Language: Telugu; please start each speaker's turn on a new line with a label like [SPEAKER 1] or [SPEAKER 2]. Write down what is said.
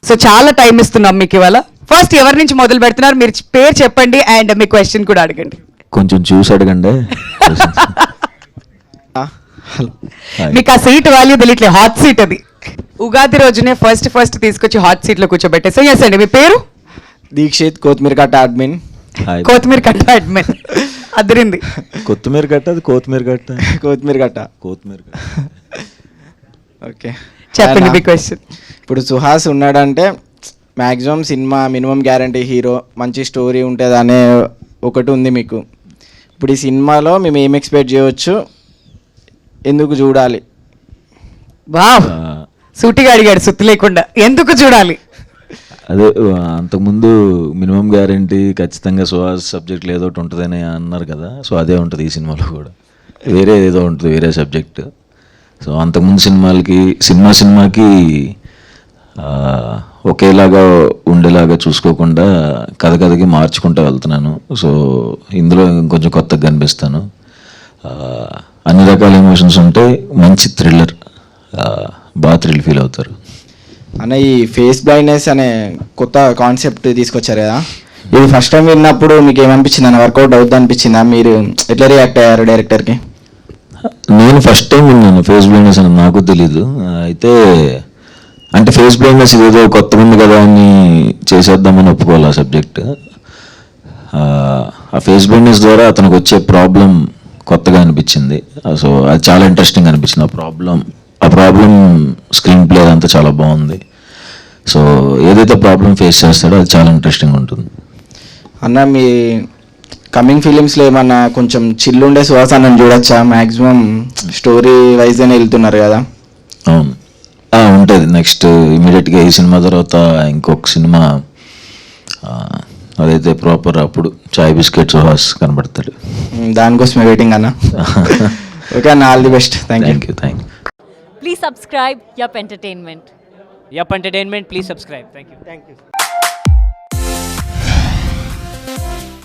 [SPEAKER 1] సో చాలా టైం ఇస్తున్నాం మీకు ఇవాళ. ఫస్ట్ ఎవరి నుంచి మొదలు పెడుతున్నారు? మీరు పేరు చెప్పండి అండ్ మీ క్వశ్చన్ కూడా అడగండి.
[SPEAKER 2] కొంచెం చూసి అడగండి.
[SPEAKER 1] మీకు ఆ సీట్ వాల్యూ తెలియట్లేదు, హాట్ సీట్ అది. ఉగాది రోజునే ఫస్ట్ తీసుకొచ్చి హాట్ సీట్ లో కూర్చోబెట్టేసి. ఎస్ అండి, మీ పేరు?
[SPEAKER 3] దీక్షిత్, కొత్తిమీర కట్ట అడ్మిన్.
[SPEAKER 1] కొత్తిమీర కట్ట అడ్మిన్. అదిరింది.
[SPEAKER 2] కొత్తిమీర కట్ట, అది కొత్తిమీర కట్ట.
[SPEAKER 3] కొత్తిమీర కట్ట. ఓకే,
[SPEAKER 1] చెప్పండి మీ క్వశ్చన్.
[SPEAKER 3] ఇప్పుడు సుహాస్ ఉన్నాడంటే maximum cinema minimum guarantee hero, మంచి స్టోరీ ఉంటుంది అనే ఒకటి ఉంది మీకు. ఇప్పుడు ఈ సినిమాలో మేము ఏం ఎక్స్పెక్ట్ చేయవచ్చు, ఎందుకు చూడాలి?
[SPEAKER 1] వావ్, సూటిగా అడిగాడు సుత్తి లేకుండా. ఎందుకు చూడాలి?
[SPEAKER 2] అదే అంతకుముందు మినిమం గ్యారంటీ ఖచ్చితంగా సుహాస్ సబ్జెక్ట్ ఏదో ఒకటి ఉంటుందని అన్నారు కదా. సో అదే ఉంటుంది ఈ సినిమాలో కూడా. వేరే ఏదో ఉంటుంది, వేరే సబ్జెక్ట్. సో అంతకుముందు సినిమాకి ఒకేలాగా ఉండేలాగా చూసుకోకుండా కథకి మార్చుకుంటూ వెళ్తున్నాను. సో ఇందులో ఇంకొంచెం కొత్తగా కనిపిస్తాను. అన్ని రకాల ఎమోషన్స్ ఉంటాయి, మంచి థ్రిల్లర్, బాగా థ్రిల్ ఫీల్ అవుతారు.
[SPEAKER 3] అన్న, ఈ ఫేస్ బ్లైండ్నెస్ అనే కొత్త కాన్సెప్ట్ తీసుకొచ్చారు కదా, ఇది ఫస్ట్ టైం విన్నప్పుడు మీకు ఏమనిపించింది అన్న? వర్కౌట్ అవుతుంది అనిపించిందా? మీరు ఎట్లా రియాక్ట్ అయ్యారు డైరెక్టర్కి?
[SPEAKER 2] నేను ఫస్ట్ టైం విన్నాను ఫేస్ బ్లైండ్నెస్ అని, నాకు తెలీదు. అయితే అంటే ఫేస్ బ్లైండ్నెస్ ఇదేదో కొత్త ఉంది కదా అని చేసేద్దామని ఒప్పుకోవాలి ఆ సబ్జెక్ట్. ఆ ఫేస్ బ్లైండ్నెస్ ద్వారా అతనికి వచ్చే ప్రాబ్లం కొత్తగా అనిపించింది. సో అది చాలా ఇంట్రెస్టింగ్ అనిపించింది. ఆ ప్రాబ్లం స్క్రీన్ ప్లే అంతా చాలా బాగుంది. సో ఏదైతే ప్రాబ్లం ఫేస్ చేస్తాడో అది చాలా ఇంట్రెస్టింగ్ ఉంటుంది.
[SPEAKER 3] అన్న, మీ కమింగ్ ఫిలిమ్స్లో ఏమన్నా కొంచెం చిల్లుండే సుహాస్ అన్నని చూడొచ్చా? మ్యాక్సిమం స్టోరీ వైజ్గానే వెళ్తున్నారు కదా.
[SPEAKER 2] అవును, ఉంటుంది. నెక్స్ట్ ఇమీడియట్గా ఈ సినిమా తర్వాత ఇంకొక సినిమా, అదైతే ప్రాపర్ అప్పుడు చాయ్ బిస్కెట్ సుహాస్ కనబడతాడు.
[SPEAKER 3] దానికోసమే వెయిటింగ్ అన్న. ఓకే అన్న, all the best. Thank you.
[SPEAKER 4] Please subscribe Yup Entertainment.
[SPEAKER 5] Yup Entertainment, please subscribe. Thank you.